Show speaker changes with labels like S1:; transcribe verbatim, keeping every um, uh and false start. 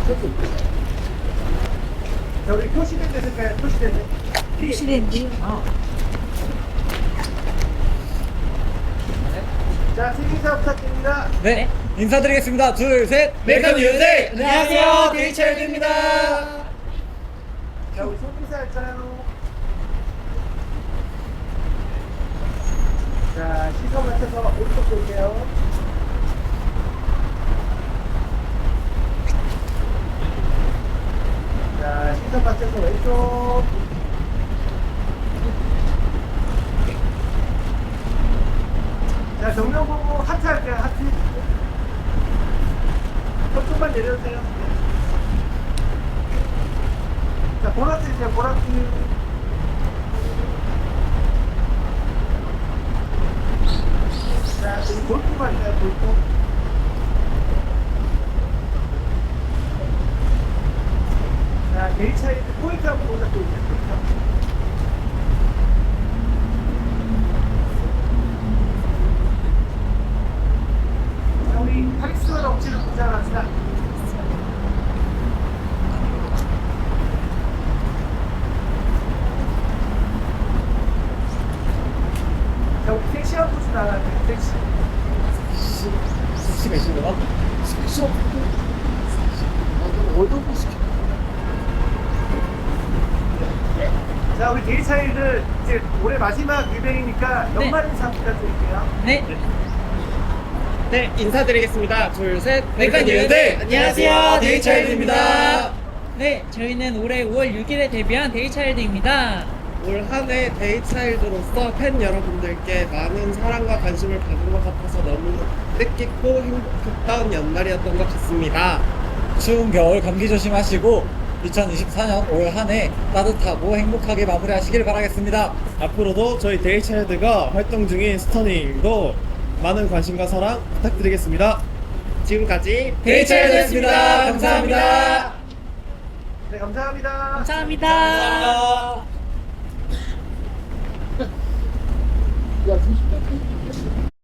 S1: 자, 우리 표시된 됐을까요? 표시된 데.
S2: 표시된지.
S1: 어. 자, 생인사 부탁드립니다.
S3: 네, 인사드리겠습니다. 둘, 셋.
S4: 웰컴 유데이!
S3: 안녕하세요, 데이차일드입니다.
S1: 자, 우리 손인사 할까요? 자, 시선 맞춰서 오른쪽 볼게요. 자, 시선 맞춰서 왼쪽. 자, 정면 보고 하트 할게요, 하트. 조금만 내려주세요. 자, 보라트 이제 보라트. 자, 우리 골프만 있나요, 골프? 자, 개인 차이드 포인트 한번 보자, 또 이제 포인트 한번. 자, 우리 카리스마 넘치는 부자랍시다. 자, 우리 섹시한 포즈 나가요, 섹시.
S3: 섹시가 있습니다.
S1: 자, 우리 데이차일드 이제 올해 마지막 유뱅이니까 연말 인사 부탁드릴게요.
S2: 네.
S4: 네, 인사드리겠습니다. 둘, 셋.
S3: 웰컴 유데이! 안녕하세요, 데이차일드입니다.
S2: 네, 저희는 올해 오월 육일에 데뷔한 데이차일드입니다.
S4: 올 한 해 데이차일드로서 팬 여러분들께 많은 사랑과 관심을 받은 것 같아서 너무 뜻깊고 행복했던 연말이었던 것 같습니다.
S3: 추운 겨울 감기 조심하시고 이천이십사년 올 한 해 따뜻하고 행복하게 마무리하시길 바라겠습니다.
S5: 앞으로도 저희 데이차일드가 활동 중인 스터닝도 많은 관심과 사랑 부탁드리겠습니다.
S4: 지금까지
S3: 데이차일드였습니다. 감사합니다.
S1: 네, 감사합니다.
S2: 감사합니다.
S3: 감사합니다.